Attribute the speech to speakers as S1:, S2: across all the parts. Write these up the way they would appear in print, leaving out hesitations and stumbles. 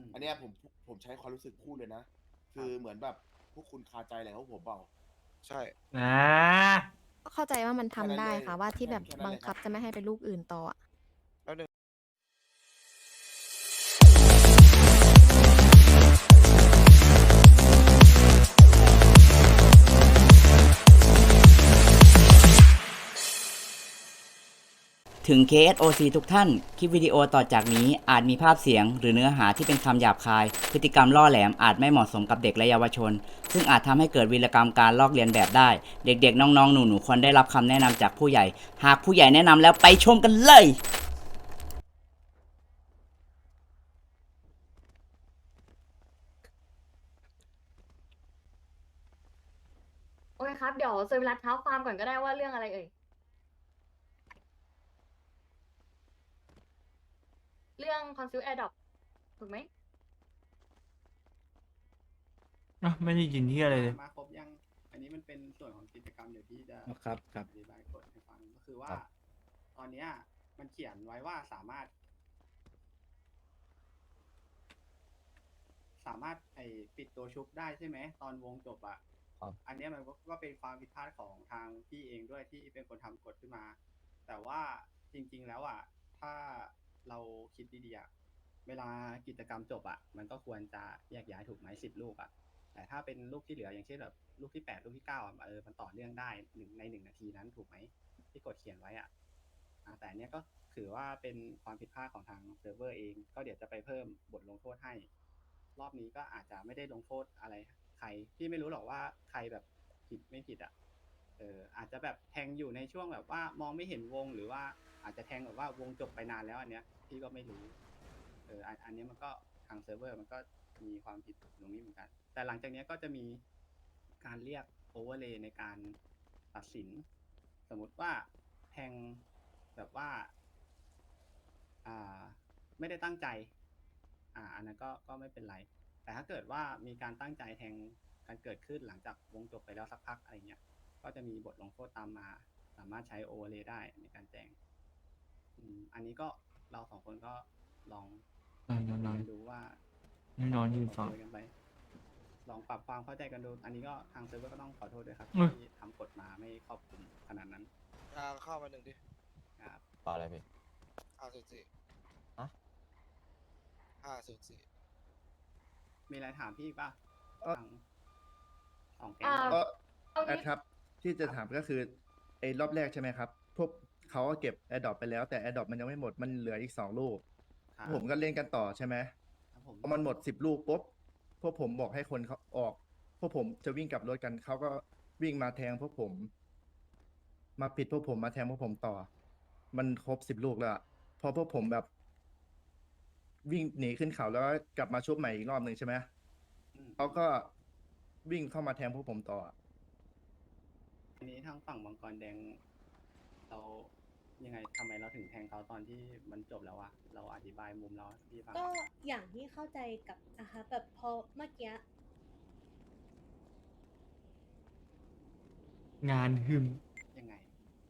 S1: อันเนี้ยผมใช้ความรู้สึกพูดเลยนะ คือเหมือนแบบพวกคุณคาใจอะไรของผมเปล่า
S2: ใช่
S3: อ่า
S4: ก็เข้าใจว่ามัน
S1: แค่นั้น
S4: ทำได้
S1: เลย
S4: ค่ะว่าที่แบบ
S1: แค่นั้น
S4: บัง
S1: เลยครับ
S4: คับจะไม่ให้ไปลูกอื่นต่ออะ
S2: แล้วหนึ่ง
S5: ถึง KSOC ทุกท่าน คลิปวิดีโอต่อจากนี้อาจมีภาพเสียงหรือเนื้อหาที่เป็นคำหยาบคาย พฤติกรรมล่อแหลมอาจไม่เหมาะสมกับเด็กและเยาวชน ซึ่งอาจทำให้เกิดวีรกรรมการลอกเลียนแบบได้ เด็กๆ น้องๆ หนูๆ ควรได้รับคำแนะนำจากผู้ใหญ่ หากผู้ใหญ่แนะนำแล้วไปชมกันเลย
S6: โอเคครับ เดี๋ยวเซอร์วิรัตเท้าความก่อนก็ได้ว่าเรื่องอะไรเอ่ย เรื่องคอนซิลแอร์ดอปถูกไหม
S3: ไม่ได้ยินที่อะไรเลย
S7: มาครบยัง อันนี้มันเป็นส่วนของกิจกรรมเดี๋ยวพี่จะ
S8: ครับครับ
S7: อธิบายกฎให้ฟังก็คือว่า
S8: ครับ
S7: ตอนเนี้ยมันเขียนไว้ว่าสามารถไอปิดตัวชุบได้ใช่ไหมตอนวงจบอ่ะ
S8: ครับ
S7: อันเนี้ยมันก็เป็นความผิดพลาดของทางพี่เองด้วยที่เป็นคนทำกฎขึ้นมา แต่ว่าจริงๆแล้วอ่ะถ้าเราคิดดีๆอ่ะเวลากิจกรรมจบอ่ะมันก็ควรจะแยกย้ายถูกไหม10 ลูกอ่ะ แต่ถ้าเป็นลูกที่เหลืออย่างเช่นแบบลูกที่8ลูกที่9อ่ะมันต่อเนื่องได้ใน1 นาทีนั้นถูกไหมที่กฎเขียนไว้อ่ะแต่อันเนี้ยก็ถือว่าเป็นความผิดพลาดของทางเซิร์ฟเวอร์เองก็เดี๋ยวจะไปเพิ่มบทลงโทษให้ รอบนี้ก็อาจจะไม่ได้ลงโทษอะไรใครพี่ไม่รู้หรอกว่าใครแบบผิดไม่ผิดอ่ะอาจจะแบบแทงอยู่ในช่วงแบบว่ามองไม่เห็นวงหรือว่าอาจจะแทงแบบว่าวงจบไปนานแล้วอันเนี้ยพี่ก็ไม่รู้อันเนี้ยมันก็ทางเซิร์ฟเวอร์มันก็มีความผิดตรงนี้เหมือนกัน แต่หลังจากเนี้ยก็จะมีการเรียกโอเวอร์เลย์ในการตัดสิน สมมุติว่าแทงแบบว่าไม่ได้ตั้งใจอันนั้นก็ไม่เป็นไร แต่ถ้าเกิดว่ามีการตั้งใจแทงกันเกิดขึ้นหลังจากวงจบไปแล้วสักพักอะไรเงี้ย ก็จะมีบทลงโทษตามมา สามารถใช้โอเวอร์เลย์ได้ในการแจ้งอันนี้ก็เรา2 คนก็ลอง
S3: นอน
S7: ดูว่า
S3: นอนยืนฟัง
S7: คุยกันไปลองปรับความเข้าใจกันดู อันนี้ก็ทางเซิร์ฟเวอร์ก็ต้องขอโทษด้วยครับ
S3: อุ๊ย
S7: ที่ทำกฎมาไม่ครอบคลุมขนาดนั้น
S2: เข้ามาหนึ่งดิ
S7: ครับ
S8: ต่ออะไรพี่
S2: 504
S8: ฮะ
S2: 504
S7: มีอะไรถามพี่อีกป่ะ
S9: เอ่อ
S7: ทางสองแก๊ง
S6: อ่า
S9: ก็
S6: เอา
S9: แอ
S6: งี้
S9: ดครับที่จะถามก็คือไอ้รอบแรกใช่ไหมครับพวกเขาก็เก็บแอดดอปไปแล้วแต่แอดดอปมันยังไม่หมดมันเหลืออีก2 ลูก
S7: ครับ
S9: ผมก็เล่นกันต่อใช่ไหม
S7: ครับผม
S9: พอมันหมด10 ลูกปุ๊บพวกผมบอกให้คนเขาออกพวกผมจะวิ่งกลับรถกันเขาก็วิ่งมาแทงพวกผม มาปิดพวกผมมาแทงพวกผมต่อ มันครบ10 ลูกแล้วอะพอพวกผมแบบ วิ่งหนีขึ้นเขาแล้วก็กลับมาชุบใหม่อีกรอบหนึ่งใช่ไหม
S7: อืม
S9: เขาก็วิ่งเข้ามาแทงพวกผมต่อ
S7: อันนี้ทางฝั่งมังกรแดง เรายังไงทำไมเราถึงแทงเขาตอนที่มันจบแล้วอะเราอธิบายมุมเราให้พี่ฟัง
S10: ก็อย่างที่เข้าใจกับนะคะแบบพอเมื่อกี้
S3: งานหึม
S7: ยังไง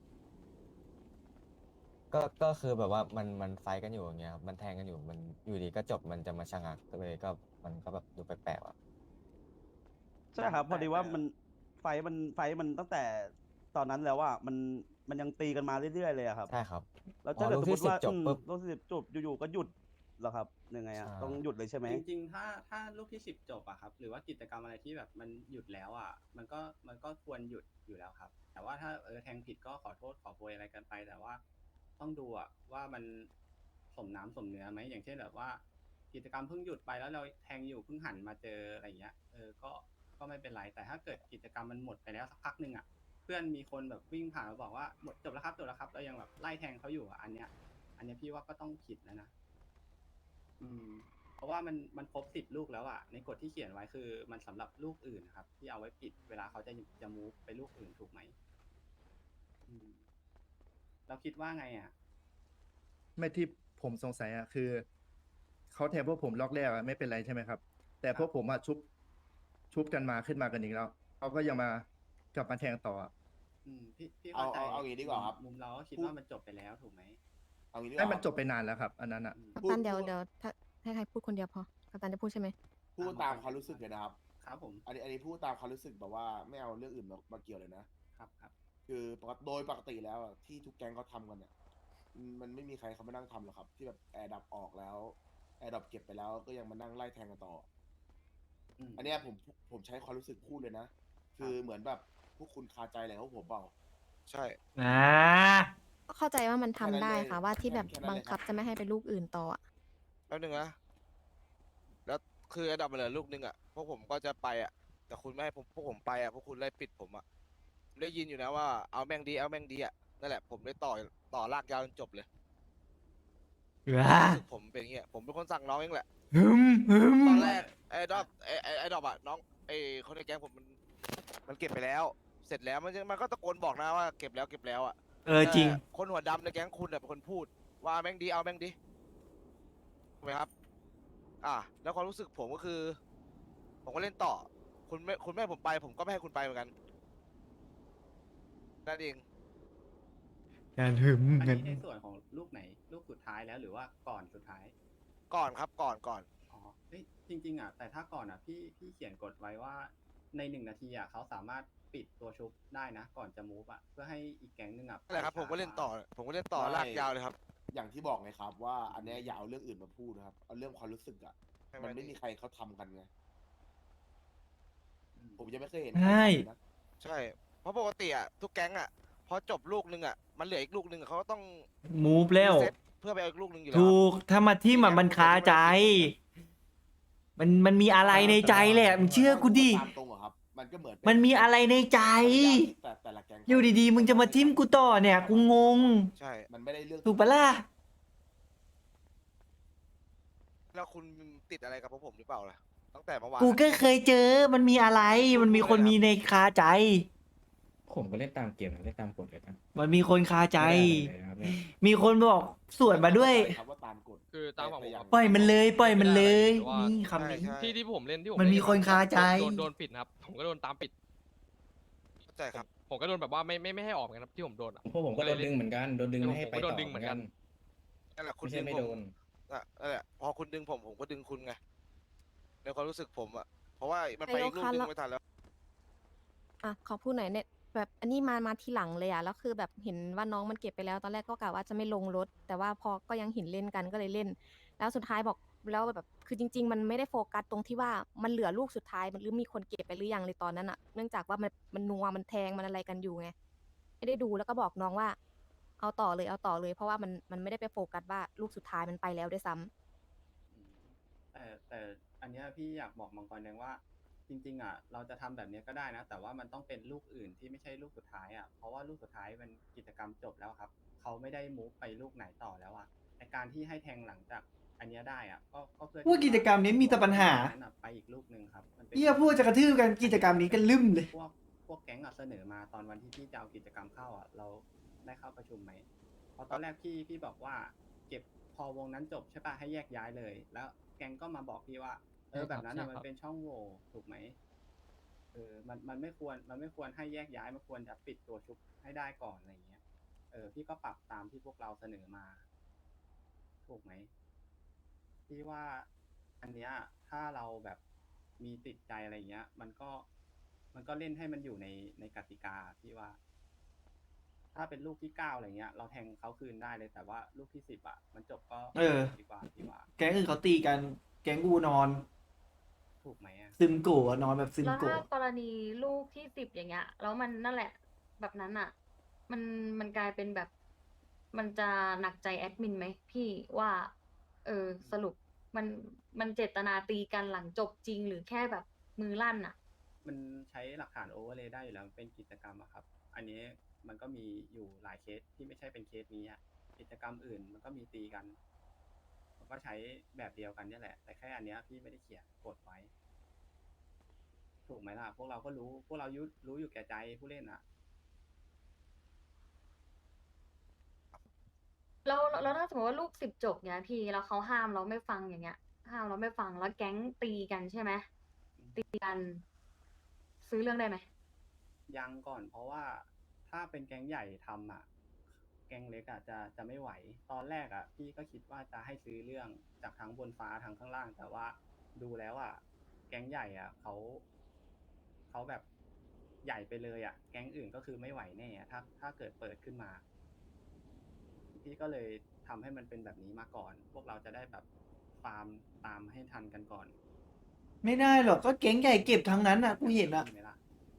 S8: ก็คือแบบว่ามันไฟท์กันอยู่อย่างเงี้ยครับมันแทงกันอยู่มันอยู่ดีก็จบมันจะมาชะงักเลยก็มันก็แบบดูแปลกๆอ่ะ
S11: ใช่ครับ พอดีว่ามันไฟมันตั้งแต่ตอนนั้นแล้วว่ามันยังตีกันมาเรื่อยๆเลยอะครับ
S8: ใช่ครับ
S11: แล้วถ้าเกิด
S8: อ๋อ
S11: สมมติว่า
S8: ลูกที่10จบปุ๊บ
S11: ลูกที่10จบอยู่ๆก็หยุดเหรอครับยังไงอะ
S8: ใช่
S11: ต้องหยุดเลยใช่ไหม
S7: จริงๆ ถ้าลูกที่10จบอะครับ หรือว่ากิจกรรมอะไรที่แบบมันหยุดแล้วอะมันก็ควรหยุดอยู่แล้วครับ แต่ว่าถ้าแทงผิดก็ขอโทษขอโพยอะไรกันไป แต่ว่าต้องดูอะว่ามันสมน้ำสมเนื้อไหมอย่างเช่นแบบว่า กิจกรรมเพิ่งหยุดไปแล้วเราแทงอยู่เพิ่งหันมาเจออะไรเงี้ยก็ไม่เป็นไร แต่ถ้าเกิดกิจกรรมมันหมดไปแล้วสักพักหนึ่งอะเพื่อนมีคนแบบวิ่งผ่านมาบอกว่าหมดจบแล้วครับเรายังแบบไล่แทงเขาอยู่อะอันเนี้ยพี่ว่าก็ต้องผิดแล้วนะ เพราะว่ามันครบ10 ลูกแล้วอะในกฎที่เขียนไว้คือมันสำหรับลูกอื่นนะครับ ที่เอาไว้ปิดเวลาเขาจะมูฟไปลูกอื่นถูกไหมเราคิดว่าไงอะ
S9: ไม่ที่ผมสงสัยอะคือเขาแทงพวกผมล็อกแรกอะไม่เป็นไรใช่ไหมครับ แต่พวกผมอะชุบกันมาขึ้นมากันอีกแล้วเขาก็ยังมากลับมาแทงต่ออะ
S7: พี่เข้าใจ
S1: เอาอย่างนี้ดีกว่าครับ
S7: มุมเราก็คิดว่ามันจบไปแล้วถูกไหม
S1: เอางี้ดีก
S9: ให้
S1: ว่า
S9: มันจบไปนานแล้วครับ อันนั้นอะ
S4: กัปตันเดี๋ยวให้ให้ใครพูดคนเดียวพอกัปตันจะพูดใช่ไหม
S1: พูดตามความรู้สึกเลยนะครับ
S7: ครับผม
S1: อันนี้พูดตามความรู้สึกแบบว่าไม่เอาเรื่องอื่นมาเกี่ยวเลยนะ
S7: ครับครับ
S1: คือโดยปกติแล้วอะที่ทุกแก๊งเขาทำกันเนี่ยมันไม่มีใครเขามานั่งทำหรอกครับ ที่แบบแอร์ดับออกแล้วแอร์ดับเก็บไปแล้วก็ยังมานั่งไล่แทงกันต่อ อันเนี้ยผมใช้ความรู้สึกพูดเลยนะ คือเหมือนแบบพวกคุณคาใจอะไรของผมเปล่า
S2: ใช่
S3: อ่า
S4: เข้าใจว่ามันทำได้ค่ะ ว่าที่แบบ
S1: แค่นั้นเลย
S4: บังคับจะไม่ให้ไปลูกอื่นต่ออะ
S2: แป๊บนึงนะ แล้วคือไอ้ดับมาเหลือลูกนึงอ่ะ พวกผมก็จะไปอ่ะ แต่คุณไม่ให้พวกผมไปอ่ะ พวกคุณไล่ปิดผมอ่ะผมได้ยินอยู่นะว่าเอาแม่งดีเอาแม่งดีอ่ะ นั่นแหละผมได้ต่อลากยาวจนจบเลย
S3: ว้า
S2: รู้สึกผมเป็นอย่างเงี้ย ผมเป็นคนสั่งน้องเองแหละ
S3: ฮึมฮึม
S2: ตอนแรกไอ้ดอบไอ้ดอบอ่ะน้องไอ้คนในแก๊งผมมันเก็บไปแล้ว เสร็จแล้วมันก็ตะโกนบอกนะว่าเก็บแล้วอ่ะ
S3: จริง
S2: แต่คนหัวดำในแก๊งคุณเป็นคนพูดว่าแม่งดีเอาแม่งดีถูกไหมครับ แล้วความรู้สึกผมก็คือ ผมก็เล่นต่อ คุณไม่ให้ผมไปผมก็ไม่ให้คุณไปเหมือนกันนั่นเอง
S3: การหึม
S7: อัน
S3: กัน
S7: นี้ในส่วนของลูกไหน ลูกสุดท้ายแล้วหรือว่าก่อนสุดท้าย
S2: ก่อนครับก่อน
S7: อ๋อเฮ้ยจริงๆอ่ะแต่ถ้าก่อนอ่ะพี่เขียนกฎไว้ว่าใน1 นาทีอ่ะเขาสามารถปิดตัวชุบได้นะ ก่อนจะมูฟอ่ะเพื่อให้อีกแก๊งหนึงอ่ะ
S2: นั่นแหละครับ ผมก็เล่นต่อ
S1: ไม่
S2: ลากยาวเลยครับ
S1: อย่างที่บอกไงครับว่าอันเนี้ยอย่าเอาเรื่องอื่นมาพูดนะครับ เอาเรื่องความรู้สึกอะมันไม่มีใครเขาทำกันไง ผมยังไม่เคยเห็นใคร
S3: ใช่
S1: ทำเลยนะ
S2: ใช่ เพราะปกติอ่ะทุกแก๊งอ่ะพอจบลูกนึงอ่ะมันเหลืออีกลูกนึงเขาก็ต้อง
S3: มูฟแล้ว
S2: รีเซ็ตเพื่อไปเอาอีกลูกนึงอยู่แล้ว
S3: ถูก ถ้ามาที่มันคาใจ มันมีอะไรในใจแหละมึงเชื่อกูดิ
S1: ตามตรงเหรอครับ มันก็เหมือน
S3: มันมีอะไรในใจ
S1: แต่ละแก๊ง
S3: อยู่ดีๆ มึงจะมาทิมกูต่อเนี่ย กูงง
S2: ใช่
S1: มันไม่ได้เรื่อง
S3: ถูกปะล่ะ
S2: แล้วคุณติดอะไรกับพวกผมหรือเปล่าล่ะตั้งแต่เมื่อวาน
S3: กูก็เคยเจอ มันมีอะไร มันมีคนมีในคาใจ
S8: ผมก็เล่นตามเกมนะเล่นตามกฎเลยนะ
S3: มันมีคนคาใจ
S8: ไม่ได้อะไรเลยนะครับเนี่ย
S3: มีคนบอกสวนมาด้วย
S1: ครับว่าตามกฎ
S12: คือตามฝั่งผม
S1: แต่
S3: ปล่อยมันเลย ปล่อยมันเลย
S12: แต่ว่า
S3: นี่คำนี้
S2: ใช่
S12: ที่ผมเล่นที่ผม
S3: มันมี
S12: เล่
S3: คนคาใจ
S12: โดนปิดนะครับ ผมก็โดนตามปิด
S2: เข้าใจครับ
S12: ผมก็โดนแบบว่าไม่ให้ออกเหมือนกันครับที่ผมโดนอะ
S8: พวกผมก็โดนดึงเหมือนกัน โดนดึงไม่ให้ไป
S12: ผมก็โด
S8: ต่อน
S12: ดึงเหมือนกัน
S2: นั่นแหละคุณ
S8: ไม่ใช่
S2: ดึง
S8: ไม่
S2: ผ
S8: โด
S2: ม
S8: น
S2: นั่นแหละพอคุณดึงผมก็ดึงคุณไงในความรู้สึกผมอ่ะเพราะว่ามันไป
S4: นาย
S2: อี
S4: ก
S2: กลูก
S4: คะ
S2: นึง
S4: แล้ว
S2: ไม่ทันแล้ว
S4: อ่ะขอพูดหน่อยเนี่ยแบบอันนี้มาทีหลังเลยอ่ะแล้วคือแบบเห็นว่าน้องมันเก็บไปแล้วตอนแรกก็กะว่าจะไม่ลงรถ แต่ว่าพอก็ยังเห็นเล่นกันก็เลยเล่น แล้วสุดท้ายบอกแล้วแบบคือจริง ๆ มันไม่ได้โฟกัสตรงที่ว่ามันเหลือลูกสุดท้ายมันหรือมีคนเก็บไปหรือยังเลยตอนนั้นอ่ะเนื่องจากว่ามันนัวมันแทงมันอะไรกันอยู่ไงไม่ได้ดูแล้วก็บอกน้องว่า เอาต่อเลยเพราะว่ามันไม่ได้ไปโฟกัสว่าลูกสุดท้ายมันไปแล้วด้วยซ้ำ
S7: แต่อันเนี้ยพี่อยากบอกมังกรแดงว่า จริงๆอ่ะเราจะทำแบบเนี้ยก็ได้นะ แต่ว่ามันต้องเป็นลูกอื่นที่ไม่ใช่ลูกสุดท้ายอ่ะเพราะว่าลูกสุดท้ายมันกิจกรรมจบแล้วครับเขาไม่ได้มูฟไปลูกไหนต่อแล้วอ่ะในการที่ให้แทงหลังจากอันเนี้ยได้อ่ะก็เพื่อ
S3: พวกกิจกรรมนี้มีแต่ปัญหา
S7: นั้นอะไปอีกลูกหนึ่งครับมันป็น
S3: เฮียพูดจะกระทืบกันกิจกรรมนี้กันลืมเลย
S7: พวกแก๊งอ่ะเสนอมาตอนวันที่พี่จะเอากิจกรรมเข้าอ่ะเราได้เข้าประชุมไหมเพราะตอนแรกพี่บอกว่าเก็บพอวงนั้นจบใช่ปะให้แยกย้ายเลย แล้วแก๊งก็มาบอกพี่ว่าแบบนั้นอ่ะมันเป็นช่องโหว่ถูกไหมมันไม่ควรให้แยกย้ายมันควรจะปิดตัวชุบให้ได้ก่อนอะไรเงี้ยพี่ก็ปรับตามที่พวกเราเสนอมา ถูกไหมพี่ว่าอันเนี้ยถ้าเราแบบมีติดใจอะไรเงี้ย มันก็เล่นให้มันอยู่ในกติกาพี่ว่า ถ้าเป็นลูกที่9อะไรเงี้ย เราแทงเขาคืนได้เลยแต่ว่าลูกที่10อ่ะมันจบก็ ดีกว่าพี่ว่า
S3: แก๊งอื่นเขาตีกัน แก๊งกูนอน
S7: ถูกไหมอ่ะ
S3: ซึมโกะนอนแบบซึม
S6: แล้ว
S3: โกะ
S6: ถ้ากรณีลูกที่10อย่างเงี้ยแล้วมันนั่นแหละ แบบนั้นอ่ะ มันกลายเป็นแบบ มันจะหนักใจแอดมินไหมพี่ว่า สรุปมันเจตนาตีกันหลังจบจริงหรือแค่แบบมือลั่นอ่ะ
S7: มันใช้หลักฐานโอเวอร์เลย์ได้อยู่แล้วมันเป็นกิจกรรมอะครับ อันนี้มันก็มีอยู่หลายเคสที่ไม่ใช่เป็นเคสนี้อะกิจกรรมอื่นมันก็มีตีกัน มันก็ใช้แบบเดียวกันนี่แหละ แต่แค่อันเนี้ยพี่ไม่ได้เขียนกฎไว้ ถูกไหมล่ะ พวกเราก็รู้ พวกเรารู้อยู่แก่ใจผู้เล่นอะ
S6: แล้วถ้าสมมติว่าลูก10จบเนี้ยพี่แล้วเขาห้ามเราไม่ฟังอย่างเงี้ย ห้ามเราไม่ฟังแล้วแก๊งตีกันใช่ไหมตีกันซื้อเรื่องได้ไหม
S7: ยังก่อนเพราะว่าถ้าเป็นแก๊งใหญ่ทำอ่ะแก๊งเล็กอะจะไม่ไหว ตอนแรกอะพี่ก็คิดว่าจะให้ซื้อเรื่องจากทั้งบนฟ้าทั้งข้างล่าง แต่ว่าดูแล้วอะแก๊งใหญ่อะเขาแบบใหญ่ไปเลยอะแก๊งอื่นก็คือไม่ไหวแน่อะถ้าเกิดเปิดขึ้นมา พี่ก็เลยทำให้มันเป็นแบบนี้มาก่อน พวกเราจะได้แบบฟาร์มตามให้ทันกันก่อน
S3: ไม่ได้หรอกก็แก๊งใหญ่เก็บทั้งนั้นอ่ะกูเห็นอ่ะ
S7: ใช่ไหมล่ะ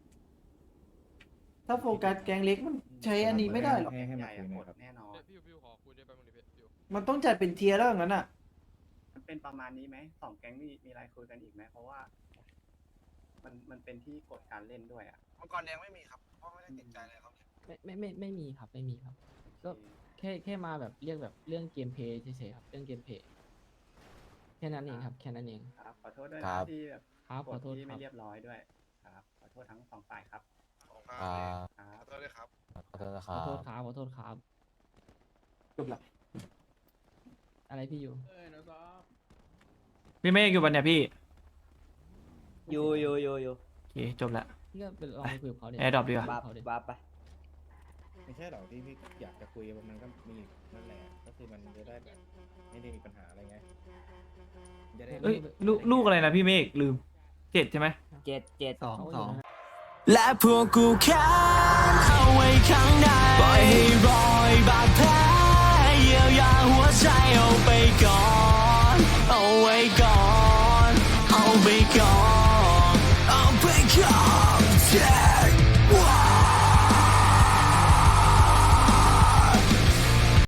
S3: ถ้าโฟกัสแก๊งเล็กมันใช้อันนี้ไม่ได้หรอก
S7: แก๊งใหญ่อะหมดแน่นอน
S12: พี่ขอคุยด้วยแป๊บนึงดิพี่
S3: มันต้องจัดเป็นเทียร์แล้วอย่างนั้นอ่ะ
S7: มันเป็นประมาณนี้ไหมสองแก๊งมีอะไรคุยกันอีกไหมเพราะว่ามันเป็นที่กฎการเล่นด้วยอ่ะ
S2: มังกรแดงไม่มีครับเพราะไม่ได้ติดใจอะไรครับ
S13: ไม่มีครับไม่มีครับ ก็แค่มาแบบเรียกแบบเรื่องเกมเพลย์เฉยๆครับเรื่องเกมเพลย์แค่นั้นเองครับแค่นั้นเอง
S7: ครับขอโทษด้วย
S8: ครั
S7: นะ
S8: บ
S7: ที่แบบ
S13: ครับขอโทษ
S7: ที่
S13: ค
S7: ไม่
S13: รับ
S7: เรียบร้อยด้วยครับขอโทษทั้งสองฝ่ายครับ
S8: อ่า
S7: ครับ
S2: ขอโทษด้วยครับ
S8: ขอโทษนะค
S13: ข
S8: รั
S13: อโทษ
S8: บ
S13: ครับขอโทษครับ
S3: จบละ
S13: อะไรพี่อยู่
S3: พี่เมฆอยู่วันเนี่ยพี่
S5: อยู่
S3: โอเคจบละ
S13: พี่ก็ไปลองไปคุยกับเขาดิ
S3: แอร์ดรอปดีกว่า
S13: คุยกับเขาดิ
S5: บ้าไป
S9: ไม่ใช่หรอกที่พี่อยากจะคุยมันก็มีนั่นแหละก็คือมันจะได้แบบไม่ได้มีปัญหาอะไรไงจะได้
S3: เอ้ยลูกอะไรนะพี่เมฆลืม7ใช่ไหม
S5: 7 2
S14: และพวกกูแค้นเอาไว้ข้างในปล่อยให้รอยบาดแผลเยียวยาหัวใจเอาไปก่อน เอาไว้ก่อน เอาไปก่อน